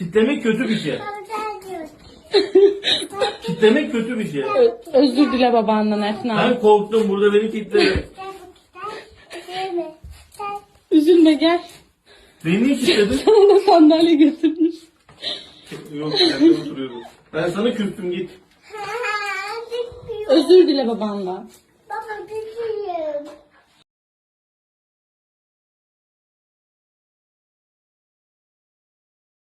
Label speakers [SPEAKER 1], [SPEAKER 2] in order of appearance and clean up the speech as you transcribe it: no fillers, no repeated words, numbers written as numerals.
[SPEAKER 1] Kitlemek kötü bir şey. Kitlemek kötü bir şey.
[SPEAKER 2] Özür dile babandan Efna.
[SPEAKER 1] Ben korktum, burada beni kitledi.
[SPEAKER 2] Üzülme gel.
[SPEAKER 1] Beni niye kitledin?
[SPEAKER 2] Sana da sandalye getirmiş.
[SPEAKER 1] Yok, ben oturuyorum. Ben sana küstüm, git.
[SPEAKER 2] Özür dile babandan.
[SPEAKER 3] Baba düşüyorum.